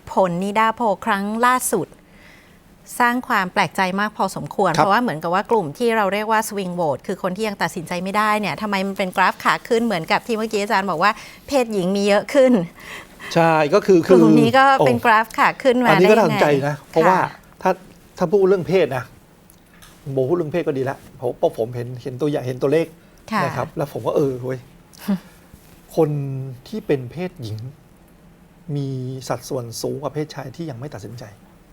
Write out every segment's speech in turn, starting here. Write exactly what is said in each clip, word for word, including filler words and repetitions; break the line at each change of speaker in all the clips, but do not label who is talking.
ผลนิดาโพลครั้งล่าสุดสร้างความแปลกใจมากพอสมควรเพราะว่าเหมือนกับว่ากลุ่มที่เราเรียกว่าสวิงโหวตคือคนที่ยังตัดสินใจไม่ได้เนี่ยทำไมมันเป็นกราฟขาขึ้นเหมือนกับที่เมื่อกี้อาจารย์บอกว่าเพศหญิงมีเยอะขึ้น
ใช่ก็คือก
ลุ่มนี้ก็เป็นกราฟขาขึ้นมาได้ยังไงอันนี้
ก็น่าสนใจนะเพราะว่าถ้าถ้าพูดเรื่องเพศนะโบพูดเรื่องเพศก็ดีแล้วเพราะผมเห็นเห็นตัวอย่างเห็นตัวเลขนะครับแล้วผมก็เออเว้ยคนที่เป็นเพศหญิงมีสัดส่วนสูงกว่าเพศชายที่ยังไม่ตัดสินใจ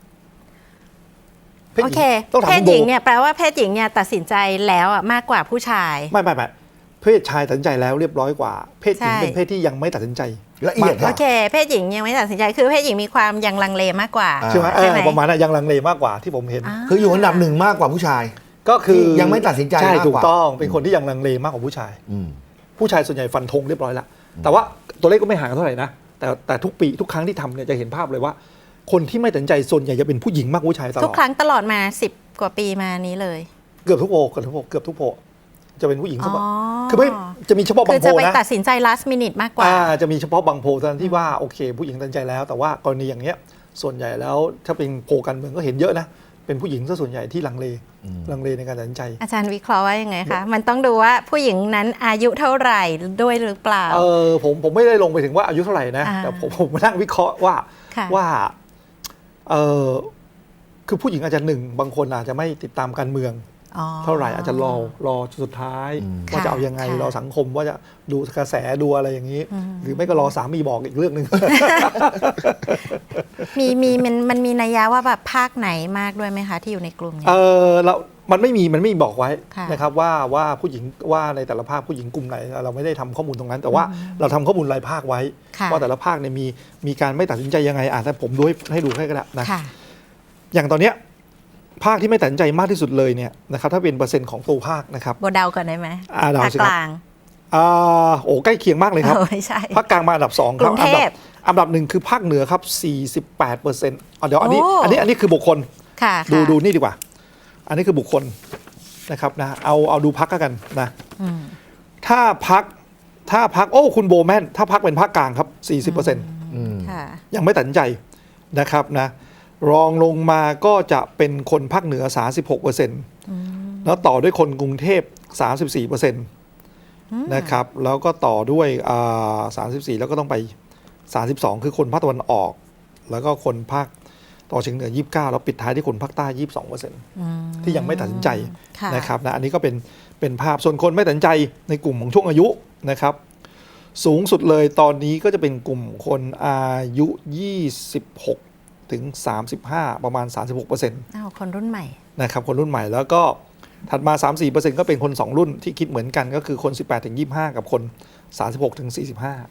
โอเคเพศหญิงเนี่ยแปลว่าเพศหญิงเนี่ยตัดสินใจแล้วอ่ะมากกว่าผู้ชาย
ไม่ไม่ไม่เพศชายตัดสินใจแล้วเรียบร้อยกว่าเพศหญิงเป็นเพศที่ยังไม่ตัดสินใจ
ละเอียด
โอเคเพศหญิงยังไม่ตัดสินใจคือเพศหญิงมีความยังลังเลมากกว่า
ใช่ไหมประมาณนั้นยังลังเลมากกว่าที่ผมเห็น
คืออยู่อันดับหนึ่งมากกว่าผู้ชาย
ก็คือ
ยังไม่ตัดสินใจ
ใช่ถูกต้องเป็นคนที่ยังลังเลมากกว่าผู้ชายผู้ชายส่วนใหญ่ฟันธงเรียบร้อยแล้วแต่ว่าตัวเลขก็ไม่ห่างกันเท่าไหร่นะแต่แต่ทุกปีทุกครั้งที่ทำเนี่ยจะเห็นภาพเลยว่าคนที่ไม่ตัดสินใจส่วนใหญ่จะเป็นผู้หญิงมากกว่าผู้ชายตลอด
ทุกครั้งตลอดมาสิบกว่าปีมานี้เลย
เกือบทุกโพเกือบทุกโพเกือบทุกโพจะเป็นผู้หญิงเฉพาะคือไม่จะมีเฉพาะบางโพนะ
คือจะไปตัดสินใจ last minute มากกว่า
จะมีเฉพาะบางโพเท่านั้นที่ว่าโอเคผู้หญิงตัดสินใจแล้วแต่ว่ากรณีอย่างเงี้ยส่วนใหญ่แล้วถ้าเป็นโพการเมืองก็เห็นเยอะนะเป็นผู้หญิงซะส่วนใหญ่ที่ลังเลลังเลในการตัดสินใจ
อาจารย์วิเคราะห์ว่ายังไงคะมันต้องดูว่าผู้หญิงนั้นอายุเท่าไหร่ด้วยหรือเปล่า
เออผมผมไม่ได้ลงไปถึงว่าอายุเท่าไหร่นะแต่ผมผมมานั่งวิเคราะห์ว่าว่าเออคือผู้หญิงอาจจะหนึ่งบางคนอาจจะไม่ติดตามการเมืองเท่าไหร่อาจจะรอรอสุดท้ายว่าจะเอายังไงรอสังคมว่าจะดูกระแสดูอะไรอย่างนี้หรือไม่ก็รอสามีบอกอีกเรื่องหนึ่ง
มีมีมันมันมีนัยยะว่าแบบภาคไหนมากด้วยไหมคะที่อยู่ในกลุ่มนี้
เออเรามันไม่มีมันไม่บอกไว้นะครับว่าว่าผู้หญิงว่าในแต่ละภาคผู้หญิงกลุ่มไหนเราไม่ได้ทำข้อมูลตรงนั้นแต่ว่าเราทำข้อมูลรายภาคไว้ว่าแต่ละภาคเนี่ยมีมีการไม่ตัดสินใจยังไงอ่ะถ้าผมดูให้ดูให้ก็ได้นะอย่างตอนเนี้ยภาคที่ไม่ตัดสินใจมากที่สุดเลยเนี่ยนะครับถ้าเป็นเปอร์เซ็นต์ของตัวภาคนะครับ
โบเดาก่อนได้ไหม
ภาคกลางอ่าโอ้ใกล้เคียงมากเลยครับภาคกลางมาอันดับสองครับอันดับอันดับหนึ่งคือภาคเหนือครับ สี่สิบแปดเปอร์เซ็นต์ อ่ะเดี๋ยวอันนี้อันนี้อันนี้คือบุคคลดูดูนี่ดีกว่าอันนี้คือบุคคลนะครับนะเอาเอาดูพักกันนะถ้าพักถ้าพักโอ้คุณโบแมนถ้าพักเป็นภาคกลางครับ สี่สิบเปอร์เซ็นต์ ยังไม่ตัดสินใจนะครับนะรองลงมาก็จะเป็นคนภาคเหนือ สามสิบหกเปอร์เซ็นต์ แล้วต่อด้วยคนกรุงเทพ สามสิบสี่เปอร์เซ็นต์ นะครับแล้วก็ต่อด้วยอ่าสามสิบสี่แล้วก็ต้องไปสามสิบสองคือคนภาคตะวันออกแล้วก็คนภาคตะวันออกเฉียงเหนือยี่สิบเก้าแล้วปิดท้ายที่คนภาคใต้ ยี่สิบสองเปอร์เซ็นต์ ที่ยังไม่ตัดสินใจนะครับนะอันนี้ก็เป็นเป็นภาพส่วนคนไม่ตัดสินใจในกลุ่มของช่วงอายุนะครับสูงสุดเลยตอนนี้ก็จะเป็นกลุ่มคนอายุยี่สิบหกถึงสามสิบห้าประมาณ สามสิบหกเปอร์เซ็นต์
อ้าวคนรุ่นใหม่
นะครับคนรุ่นใหม่แล้วก็ถัดมา สามถึงสี่เปอร์เซ็นต์ ก็เป็นคนสองรุ่นที่คิดเหมือนกันก็คือคนสิบแปดถึงยี่สิบห้ากับคนสามสิบหกถึงสี่สิบห้า